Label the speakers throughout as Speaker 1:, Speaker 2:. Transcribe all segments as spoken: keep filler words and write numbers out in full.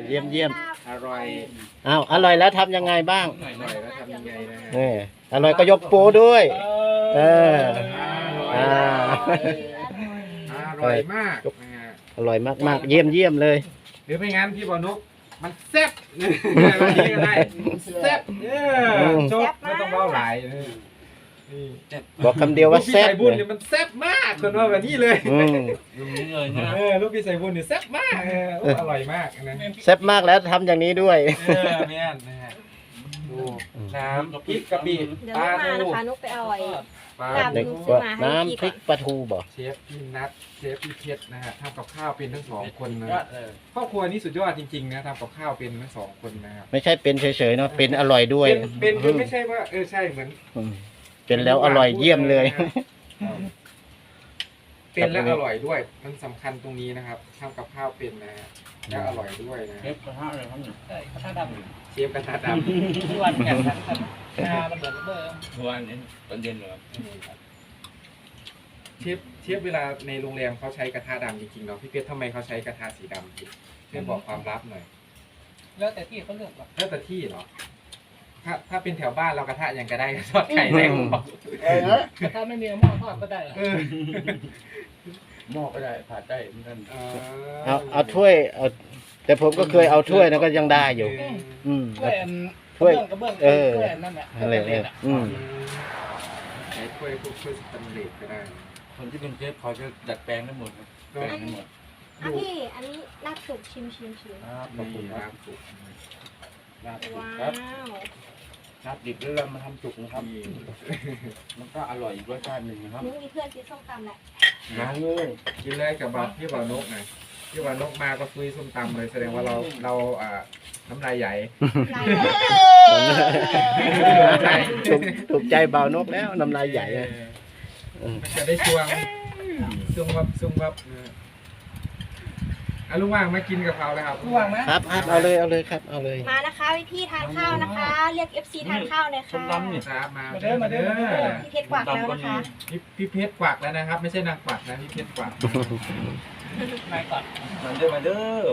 Speaker 1: เยี่ยมเยี่ยม
Speaker 2: อร่อย
Speaker 1: อ้าวอร่อยแล้วทำยังไงบ้าง
Speaker 2: อร่อยแล้วทำยังไงนะฮะ
Speaker 1: นี่อร่อยก็ยกปูด้วย เออ อ่า
Speaker 2: อร่อยมากนะฮะ
Speaker 1: อร่อยมากๆ เยี่ยมเยี่ยมเลย
Speaker 2: หรือไม่งั้นพี่บอลนกมันแซ่บวันนี้ก็ได้แซ่บเออจบไม่ต้องเล่าหลายเออนี่
Speaker 1: บอกคำเดียวว่า
Speaker 2: ลูกพี่
Speaker 1: แซ่บ
Speaker 2: ใส่บุญ
Speaker 1: เล
Speaker 2: เนี่ย ยมันแซ่บมากคนว่าแบบนี้เลย
Speaker 1: อืม
Speaker 3: ตรงนี้เลยนะ
Speaker 2: เออลูกพี่ใส่บุญเนี่ยแซ่บมากเออโอ้อร่อยมากนะ
Speaker 1: แซ่บมากแล้วทำอย่างนี้ด้วย
Speaker 2: เออแม่นนะฮะดูน้ำพริกกะปิ
Speaker 4: เดี๋ยว
Speaker 2: ปลา
Speaker 4: มา
Speaker 2: ทู
Speaker 4: นะคะนุกไปเอาไอ้
Speaker 2: ปลา
Speaker 4: ลาบ
Speaker 1: เด็ก
Speaker 2: ทู
Speaker 1: ว่าน้ำพริกปลาทูบอก
Speaker 2: เชฟพี่นัทเชฟพี่เพชรนะฮะทำกับข้าวเป็นทั้งสองคนนะ
Speaker 3: ยอดเลย
Speaker 2: ครอบครัวนี้สุดยอดจริงๆนะทำกับข้าวเป็นทั้งสองคนนะครับ
Speaker 1: ไม่ใช่เป็นเฉยๆเนาะเป็นอร่อยด้วย
Speaker 2: เป็นเป็นเป็นไม่ใช่ว่าเออใช่เหมือน
Speaker 1: อืมเป็นแล้วอร่อยเยี่ยมเลย
Speaker 2: เป็นแล้วอร่อยด้วย มันสำคัญตรงนี้นะครับทำกับข้าวเป็นนะฮะแล้วอร่อยด้วยนะ
Speaker 3: เชฟกระทะเลยครับหนึ่ง
Speaker 5: ใช่กระทะดำ
Speaker 2: เชฟกระทะด
Speaker 5: ทุกวันแข่งกันครับงาระเบิดระเบ้อ
Speaker 3: ทุกวันนี้ตอนเย็นเหรอ
Speaker 2: ำเชฟเชฟเวลาในโรงแรมเขาใช้กระทะดำจริงๆเนาะพี่เพชรทำไมเขาใช้กระทะสีดำพี่ช่วยบอกความลับหน่อย
Speaker 5: แล้วแต่ที่เขาเลือกหรอก
Speaker 2: แล้วแต่ที่เหรอถ้าถ้าเป็นแถวบ้านเรากระทะยังก็ได้ทอดไข่ได้ผมบอก
Speaker 5: แต่ถ้าไม่มีหม้อทอดก็ได้
Speaker 2: เออ
Speaker 3: หม้อก็ได้ผัดได้เหมือนกัน
Speaker 1: เอาเอาถ้วยเอาแต่ผมก็เคยเอาถ้วยนะก็ยังได้อยู่ อืม
Speaker 5: ถ้วยอัน
Speaker 1: ถ้วย
Speaker 5: กระเบื้องก
Speaker 1: เอ
Speaker 5: ระ
Speaker 1: อ
Speaker 5: เบื้องถ้วยนั่นแหละ
Speaker 1: อะไรเนี่ยอืม
Speaker 2: ใช้ถ้วยพวกถ้วยสแตนเลสก็ได้
Speaker 3: คนที่เป็นเชฟเขาจะดัดแปลงได้หมดครับแปลงได้หมด
Speaker 4: อ่ะพี่ อันนี้ลาบสุกชิมชิมชิม
Speaker 3: ครับขอบคุ
Speaker 2: นี่
Speaker 3: ณค
Speaker 2: ลา
Speaker 3: รับบ
Speaker 2: สุก
Speaker 3: ลาบดิบ
Speaker 4: ว้า
Speaker 3: ครับ
Speaker 4: ว
Speaker 3: ลาบดิบแล้วเรามาทำสุกนะครับ
Speaker 2: นี่
Speaker 3: มันก็อร่อยอีกรสชาติหนึ่งนะครับ
Speaker 4: นุกมีเพื่อนกินส้มตำแหละ
Speaker 3: งานเลย
Speaker 2: กินเลยกับบาพี่บ่าวนกนะพี่บ่าวนกมาก็คุยส้มตำเลยแสดงว่าเราเราอ่าน้ำลายใหญ่
Speaker 4: ลาย
Speaker 1: ถูกถูกใจเบานกแล้วน้ำลายใหญ่อะ
Speaker 2: มันจะได้ชวงซุ่มวับซุ่มวับเอออ่ะลุงว่างมากินกับเขาเลยครับ
Speaker 5: ระวังนะครับ
Speaker 1: ครับเอาเลยเอาเลยครับเอาเลย
Speaker 4: มานะคะพี่พี่ทานข้าวนะคะ เรียก เอฟ ซี ทานข้าวเลย
Speaker 3: ส้ม
Speaker 4: ค่ะ
Speaker 3: ตำนี่
Speaker 2: ครับมา
Speaker 5: มาเด้อมาเด้อมาเด้อ
Speaker 4: พี่เพชรกวักแล้วนะคะ
Speaker 2: พี่พี่เพชรกวักแล้วนะครับ ไม่ใช่นางกวักนะพี่เพชรกวัก
Speaker 5: นายก่อน
Speaker 3: มาเด้อมาเด้อ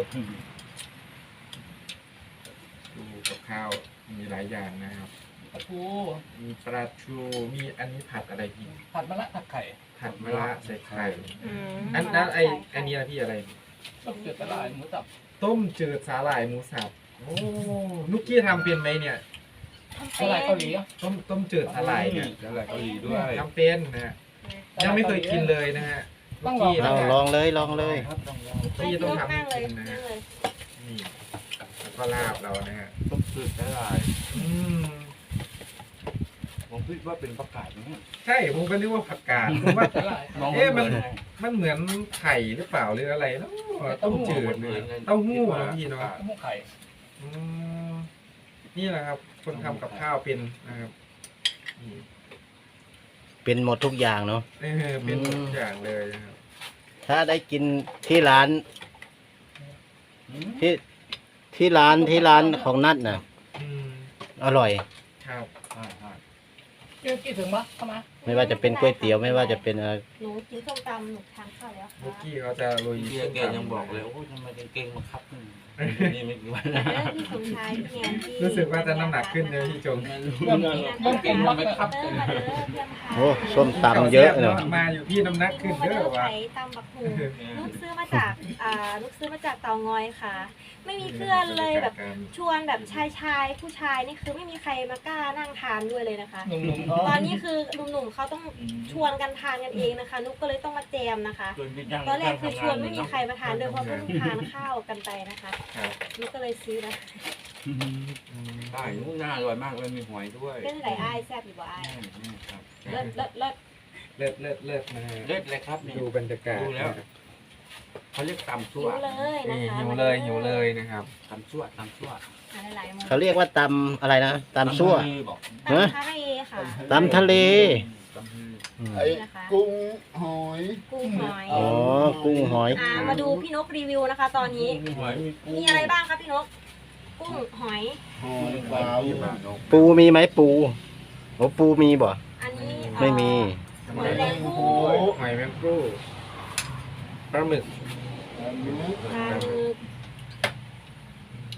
Speaker 2: ดูกับข้าวมีหลายอย่างนะครับ
Speaker 5: ปลาทู
Speaker 2: มีปลาทูมีอันนี้ผัดอะไรพี่
Speaker 5: ผัดมะระผัดไข่
Speaker 2: ผัดมะระใส่ไข่
Speaker 4: อืม
Speaker 2: อันนั้นไออันนี้อะไรพี่อะไร
Speaker 5: ต้มจืดตะลายหมูสับ
Speaker 2: ต้มจืดสาหร่ายหมูสับโอ้นุกกี้ทำเป็นไหมเนี่ย
Speaker 5: ตะลายเกาหลีอ่ะ
Speaker 2: ต้มต้มจืดสาหร่ายเนี่ย
Speaker 3: แล้วอะไรเกาหลีด้วย
Speaker 2: ทำเป็นนะฮะยังไม่เคยกินเลยนะฮะนุกกี้
Speaker 1: เอา
Speaker 2: นะ
Speaker 1: ลองเลยลองเลย
Speaker 3: ครับต้องลอง
Speaker 2: นุกกี้ต้องทำให้
Speaker 4: นั่งเลย
Speaker 2: กินนะ
Speaker 4: นั่
Speaker 2: ฮะ
Speaker 4: งเลย
Speaker 2: นี่แล้วก็ลาบเรานะฮะ
Speaker 3: ต้มจืดละลาย
Speaker 2: อืม
Speaker 3: ผมคิดว่าเป็นประกาศนะเนี่ย
Speaker 2: ใช่ผมก็นึกว่าผักกาดผมว่า
Speaker 5: ตะลาย
Speaker 3: มอง
Speaker 2: เอ๊ะมัน
Speaker 3: เหมือน
Speaker 2: มันเหมือนไข่หรือเปล่าหรืออะไรเนาะต้มจืดเลยเต้าหู้นะพี่เนาะ
Speaker 5: ต้มหูไข่
Speaker 2: อืมนี่แหละครับ คนทำกับข้าวเป็นนะครับนี่
Speaker 1: เป็นหมดทุกอย่างเนาะ
Speaker 2: เออเป็นหมดทุกอย่างเลยนะครับ
Speaker 1: ถ้าได้กินที่ร้าน
Speaker 3: อืม
Speaker 1: ที่ที่ร้านที่ร้านของนัดน่ะ
Speaker 2: อืม
Speaker 1: อร่อย
Speaker 2: ครับ
Speaker 3: ใช่ใช่
Speaker 5: เกี่ยวกี่ถึงปะเข้ามา
Speaker 1: ไม่ว่าจะเป็นก๋วยเตี๋ยวไม่ว่าจะเป็นอะไร
Speaker 4: หนูกินส้มตำหนูทานข้าวแล้ว
Speaker 2: บุก
Speaker 4: ค่ะ
Speaker 2: กี้เขาจะโรย
Speaker 3: เบีย
Speaker 2: ส้
Speaker 3: ร์
Speaker 2: ม
Speaker 3: แก
Speaker 2: ตำ
Speaker 3: ยังบอกเลยโอ้ยทำไมเก่งๆมาครับนี่นี่ไม่กี่วัน
Speaker 4: เออพี่สมชายพี่แอนพี่
Speaker 2: รู้สึกว่าจะน้ำหนักขึ้นเลยพี่จง
Speaker 3: ไม่รู้
Speaker 5: เริ่ม
Speaker 3: เรื่อง
Speaker 5: เริ่มเก่งแล้วไหมครับ
Speaker 4: เริ่มมาเด้อเยี่ยมค่ะ
Speaker 1: โอ้ส้มตำเยอะเนาะ
Speaker 2: มาอยู่พี่น้ำหนักขึ้น
Speaker 4: มา
Speaker 2: เด้
Speaker 4: เด้
Speaker 2: อ
Speaker 4: อ
Speaker 2: ว่ะ
Speaker 4: ไข่ตำบักหูลูกซื้อมาจากอ่าลูกซื้อมาจากเตางอยค่ะ ไม่มีเพื่อนเลยแบบชวนแบบชายชายผู้ชายนี่คือไม่มีใครมากล้านั่งทานด้วยเลยนะคะ
Speaker 5: หนุ่มๆเขา
Speaker 4: ตอนนี้คือหนุ่มๆเขาต้องชวนกันทานกันเองนะคะ นุกก็เลยต้องมาแจมนะคะ
Speaker 3: จนพี่ยัง
Speaker 4: ตอนแรกคือชวนไม่มีใครมาทานด้วยเพราะเพิ่งทานข้าวกันไปนะคะ
Speaker 2: ครับ
Speaker 4: นุกก็เลยซื้อนะ
Speaker 2: อืม
Speaker 3: ได้นู้นน่าอร่อยมากเลยมีหอยด้วย
Speaker 4: เป็นไหลอ้ายแซ่บอยู่บ่อ้าย
Speaker 3: นี่ครับ
Speaker 4: เลิศเลิศเลิศ
Speaker 2: เลิศเลิศเลิศนะฮะ
Speaker 3: เล็ดเลยครับนี่
Speaker 2: ดูบรรยากาศ
Speaker 3: ดูแล้วเขาเรียกตำ
Speaker 4: หิ
Speaker 3: ซั่ว
Speaker 4: วเลยนะ
Speaker 2: นี่
Speaker 4: คะ
Speaker 2: หิวเลยหิวเลยนะครับ
Speaker 3: ตำซั่วตำซั่ว
Speaker 4: หาหลายๆมุม
Speaker 1: เขาเรียกว่าตำอะไรนะตำซั่ว
Speaker 3: บอก
Speaker 4: ตำทะเลค่ะ
Speaker 1: ตำทะเล
Speaker 3: ตำฮือ
Speaker 1: อืม
Speaker 4: นี่นะคะ
Speaker 6: กุ้งหอย
Speaker 4: กุ้งหอย
Speaker 1: อ๋อกุ้งหอย
Speaker 4: อ่ามาดูพี่นกรีวิวนะคะ ตอนนี้
Speaker 3: มีหอยมีกุ้ง
Speaker 4: มีอะไรบ้างคะพี่นก กุ้งหอย
Speaker 6: หอยขาว
Speaker 3: มีปลาเนก
Speaker 1: ปูมีไหมปูโอ้ปูมีบ่
Speaker 4: อันนี้เอ่อ
Speaker 1: ไม่มี
Speaker 4: หอยแมงผู้
Speaker 2: หอยแมงผู้ปลาหมึก
Speaker 6: อันนี้
Speaker 4: ปลาหมึก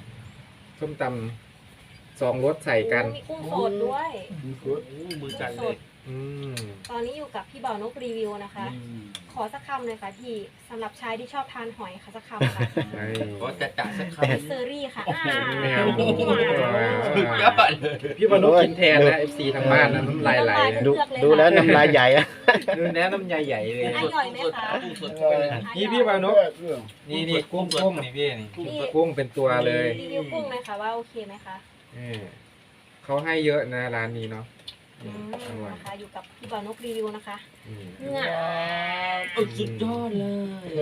Speaker 2: ส้มตำสองรสใส่กัน
Speaker 4: มีกุ้งสดด้วย
Speaker 3: โอ้มือจัดเลย
Speaker 2: อืม
Speaker 4: ตอนนี้อยู่กับพี่บ่าวนกรีวิวนะคะ ขอสักคำเลยค่ะพี่สำหรับชายที่ชอบทานหอยค่ะสักคำค่ะ
Speaker 2: ไอ้
Speaker 3: ขอจัดจ่าสักค
Speaker 4: เซอรี่ค่ะอ่า
Speaker 2: ไม่เอา
Speaker 3: ำยอดเลย
Speaker 2: พี่บอลนุกินแทนนะเอฟซีทางบ้านนะน้ำลายไหลนะ
Speaker 1: ดูดูแล้วน้ำลายใหญ่อะ
Speaker 2: ดูแนะน้ำใหญ่ๆเลย
Speaker 4: อร่อยไหมคะ
Speaker 3: กุ้งสดเข้าไปเลย
Speaker 2: นี่พี่บอลนุกนี่นี่กุ้งกุ้งนี่พี่นี่
Speaker 4: พี่
Speaker 2: กุ้งเป็นตัวเลย
Speaker 4: รีวิวกุ้งไหมคะว่าโอเคไหมคะ
Speaker 2: เออเขาให้เยอะนะร้านนี้เนาะ
Speaker 4: อืม
Speaker 2: อร่อย
Speaker 4: นะคะอยู่กับพี่บ่าวนกรีวิวนะคะ
Speaker 2: อืม
Speaker 4: เหงา
Speaker 3: เออสุดยอดเลย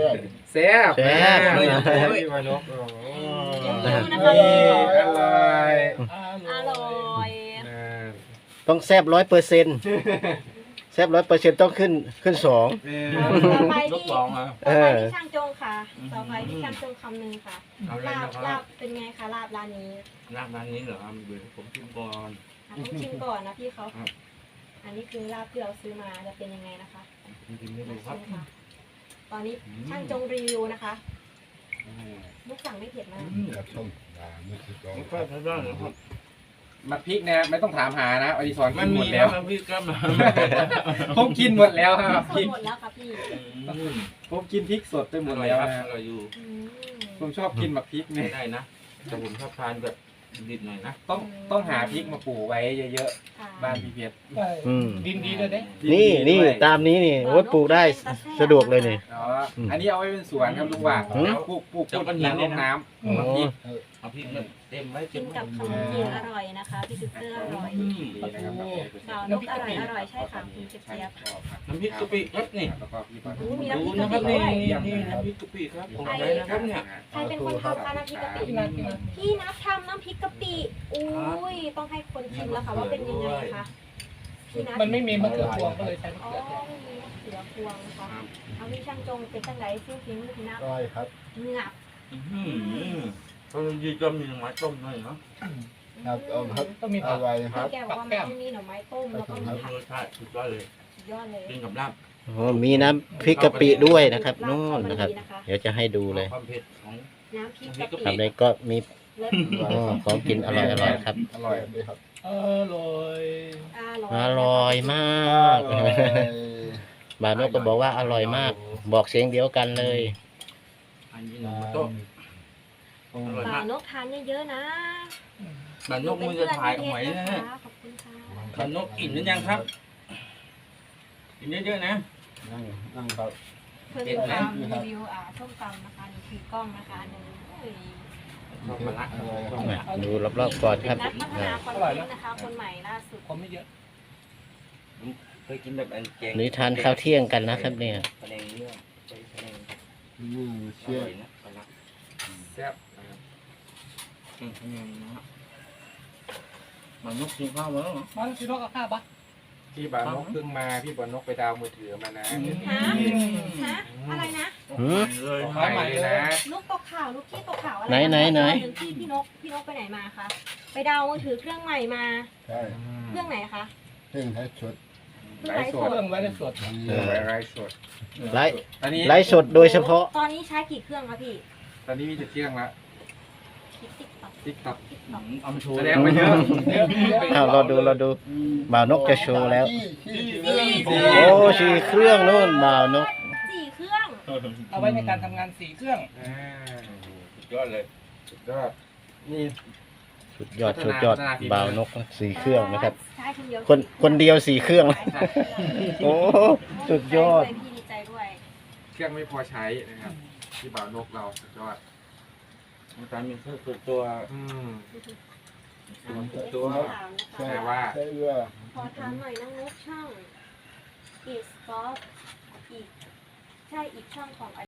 Speaker 2: แซ่บ
Speaker 1: แซ่บ
Speaker 2: มากเลยพี่บอลนุกโอ้โห
Speaker 4: เดี๋ยวนะคะ
Speaker 2: นี่อร่อย
Speaker 4: อร่อย
Speaker 2: นะ
Speaker 1: ต้องแซบร้อยเปอร์เซ็นต์แซบร้อยเปอร์เซ็นต์ต้องขึ้นขึ้นสอง
Speaker 2: เออ
Speaker 4: ต่อไป
Speaker 3: ยก
Speaker 4: ที่
Speaker 3: สองอ่ะ
Speaker 4: ต่อไปที่ช่างจงค่ะ ต่อไปที่ช่างจงคำหนึ่งค่ะ
Speaker 3: เอาเลย
Speaker 4: ลาบ
Speaker 3: นะค
Speaker 4: ลา
Speaker 3: รั
Speaker 4: บบ เป็นไงคะลาบร้านนี้
Speaker 3: ร้านร้านนี้เหรอครับเดี๋ยวผมชิมก่อน
Speaker 4: อ่ะต้องชิมก่อนนะพี่เขา
Speaker 3: ครับ
Speaker 4: อันนี้คือลาบที่เราซื้อมาจะเป็นยังไงนะคะ
Speaker 3: ผมชิมให้ดูครับ
Speaker 4: ชิมค่ะตอนนี้ช่างจงรีวิวนะคะลูกสั่งไม่เผ็ดมาก
Speaker 3: อืมไม่ค่อยใช้ได้เลยครับ
Speaker 2: มาพริกเนี่ยไม่ต้องถามหานะอดิศร
Speaker 3: มั
Speaker 2: กิ
Speaker 3: น
Speaker 2: นห
Speaker 3: มี
Speaker 2: มด
Speaker 3: แล้
Speaker 2: แล้ว ว
Speaker 3: นะพี่ครับ
Speaker 2: ผมกินหมดแล้วครับ
Speaker 4: ส
Speaker 2: พริ
Speaker 4: ด
Speaker 2: ก
Speaker 4: หมดแล้วค่ะพี่
Speaker 3: อืม
Speaker 2: ผมกินพริกสดไปหม
Speaker 3: อ
Speaker 2: ด
Speaker 3: ร่อย
Speaker 2: แล้ว
Speaker 3: ครับ
Speaker 2: นะ
Speaker 3: อร่อยอยู่
Speaker 4: อืม
Speaker 2: ผมชอบกินหมักพริกเนี่ย
Speaker 3: ได้นะแต่ผมชอบทานแบบดิบๆหน่อยนะ
Speaker 2: ต้องต้องหาพริกมาปลูกไว้เยอะ
Speaker 4: ค่ะ
Speaker 2: ๆบ้านพี่เพชร
Speaker 5: ใช่
Speaker 1: อืม
Speaker 5: ดินดีเลยเด้
Speaker 1: นี่นี่
Speaker 2: ด้วย
Speaker 1: ตามนี้นี่โอ้ยปลูกได้สะดวกเลยนี่
Speaker 2: อ๋ออันนี้เอาไว้เป็นสวนครับลุงว่า
Speaker 1: อืม
Speaker 2: แล้วปลูกปลูกปลูกหินลงน้ำ
Speaker 1: อ๋
Speaker 2: หมักพริ
Speaker 1: อ
Speaker 2: ก
Speaker 3: เอาพริกมาเต็มไว้
Speaker 4: กิ
Speaker 3: เต็
Speaker 4: น
Speaker 3: ม
Speaker 4: กับขนมจีนอร่อยนะคะพี่ติ๊กเกอร์อร่อย
Speaker 3: อืม
Speaker 2: ดีนะครับ
Speaker 4: บ่าวนกอร่อยอร่อยใช่ค่ะคุณเจี๊ยบ
Speaker 3: น้ำพริกกะปิครับนี่
Speaker 2: แล้วก็พี่ปลา
Speaker 4: โอ้มี
Speaker 3: ดู
Speaker 4: น้ำพริก
Speaker 3: นะ
Speaker 4: กะ
Speaker 3: ค
Speaker 4: ปิ
Speaker 3: รับ
Speaker 4: ด้
Speaker 3: นี่
Speaker 4: วย
Speaker 3: นี่น้ำพริกกะปิครับผมใช้นะครับเนี่ย
Speaker 4: ใครเป็นคนทำคะน้ำพริกกะปิ
Speaker 5: พี่นัทพี่นัท
Speaker 4: พี่นับทำน้ำพริกกะปิอุ้ยต้องให้คนชิมแล้วค่ะว่าเป็นยังไงคะพี่นัท
Speaker 5: มันไม่มีมะเขือพวงก็เลยใช้มะ
Speaker 4: อ๋อ
Speaker 5: เขือแทน
Speaker 4: ไม่มีมะเขือพวงนะคะเอาพี่ช่างจงเป็นจังไรซิ่งฟิ้งมือพี่นับ
Speaker 6: ร้อยครับ
Speaker 4: งับ
Speaker 3: อื้อหือเขายีก็มีไม้ต้มหน่อยเนาะ
Speaker 6: ครับเอาครับ
Speaker 5: ต้องมี
Speaker 6: อ
Speaker 5: ผัก
Speaker 6: ร่อยครับ
Speaker 4: แกบอกว่ามันต้องมีหน่อไม้ต้มแล้วก็มีผัก
Speaker 3: รสชาติสุดยอดเลย
Speaker 4: สุดยอดเลย
Speaker 3: กินกับลาบ
Speaker 1: โอ้มีน้ำพริกกะปิด้วยนะครับนู่นนะครับ เดี๋ยวจะให้ดูเลย
Speaker 3: ความเผ็ดของ
Speaker 4: น้ำพริกกะ
Speaker 1: ครั
Speaker 4: ปิ
Speaker 1: บเลยก็มี
Speaker 4: เลิศ
Speaker 1: อ๋อของกินอร่อยอร่อยครับ
Speaker 6: อร่อยเลยครับ
Speaker 5: เออโรย
Speaker 4: อร่อย
Speaker 1: อร่อยมาก
Speaker 6: อร่อย
Speaker 1: บาโนก็บอกว่าอร่อยมาก บอกเสียงเดียวกันเลย
Speaker 3: อันนี้หนูโต้อร่อยาก
Speaker 4: บ่ามวนกทานเยอะๆนะ
Speaker 3: บานนกมือจะถ่ายเอาไว้นะฮะ
Speaker 4: ขอบคุณค่ะ
Speaker 3: บานนกอิ่มหรือยังครับกินเยอะๆนะ
Speaker 6: นั่งนั่งครับ
Speaker 4: เพื่อนทำรีวิวอ่าส้มตำนะคะนี่คือกล้องนะคะอันนึงโอ้ย
Speaker 3: ชอบมาละ
Speaker 6: อร่อยครับ
Speaker 1: ดูรอบๆก่อนครับ
Speaker 4: นักพัฒนาคอนเทนต์นะคะ คนใหม่ล่าสุด
Speaker 5: ผมไม่เยอะ
Speaker 3: เคยกินแบบอันแกง
Speaker 1: นี่ทานข้าวเที่ยงกันนะครับเนี่ย
Speaker 3: แผนงเนื้อใช้แผนง
Speaker 6: อืม
Speaker 3: อ
Speaker 6: เชี่ย
Speaker 3: ร่อยนะปลาละ
Speaker 2: แซ่บนะครับ
Speaker 3: อืมแผนงนะฮะบานนกกินข้าวมาแล้วเหรอ
Speaker 5: มันคือโรคกับข้าวปะ
Speaker 2: พี่บานกเพิ่งมาพี่บานกไปดาวมือถือมานะ
Speaker 4: ฮะฮะอะไรนะ
Speaker 1: หืม
Speaker 3: เลย
Speaker 2: ของใหม่เลยนะ
Speaker 4: ลูกตกข่าวลูกที่ตกข่าวอะไร
Speaker 1: ไหนไหนไหน
Speaker 4: พี่พี่นกพี่นกไปไหนมาคะไปดาวมือถือเครื่องใหม่มา
Speaker 6: ใช่
Speaker 4: เครื่องไหนคะ
Speaker 6: เพิ่งให้ชุด
Speaker 4: เครื่อง
Speaker 2: ไล
Speaker 4: ไล
Speaker 2: ฟ์
Speaker 4: ฟ์
Speaker 2: ส
Speaker 4: ส
Speaker 2: ด
Speaker 4: ด
Speaker 5: เรื่องไว้ในสด
Speaker 2: เออไลฟ์สด
Speaker 1: ไลฟ์
Speaker 2: ตอนนี้
Speaker 1: ไลฟ์สดโดยเฉพาะ
Speaker 4: ตอนนี้ใช้กี่เครื่องคะพี่
Speaker 2: ตอนนี้มีจะเที่ยงละ
Speaker 4: ติ๊กติ๊กต็อก
Speaker 2: ติ๊กต็อก
Speaker 4: ติ๊กต็อก
Speaker 3: เอามาโชว์
Speaker 2: แสดงมาเยอะ
Speaker 1: อ้าวเราดูเราดูบ่าวนกจะโชว์แล้ว
Speaker 6: ที่ที่
Speaker 4: สี่
Speaker 6: ที่
Speaker 4: เครื่อง
Speaker 1: โอ้สี่เครื่องนู่นบ่าวนก
Speaker 4: สี่เครื่อง
Speaker 5: เอาไว้ในการทำงานสี่เครื่อง
Speaker 2: อ่า
Speaker 3: สุดยอดเลย
Speaker 2: สุดยอดนี่
Speaker 1: สุดยอดสุดยอดบ่าวนกสี่เครื่องนะครับ
Speaker 4: ใช้คนเดียว
Speaker 1: คนคนเดียวสี่เครื่อง โอ้สุดยอด
Speaker 4: พี่ดีใจด้วย
Speaker 2: เครื่องไม่พอใช้นะครับที่บ่าวนกเราสุดยอด
Speaker 3: มันการมีเครื่องส่วนตัว
Speaker 2: อืม
Speaker 4: ตัว
Speaker 2: แต่ว่า
Speaker 6: ใช่ว่า
Speaker 4: ขอถามหน่อยน้องนุ๊กช่องอีสกอฟอีกใช่อีกช่องของ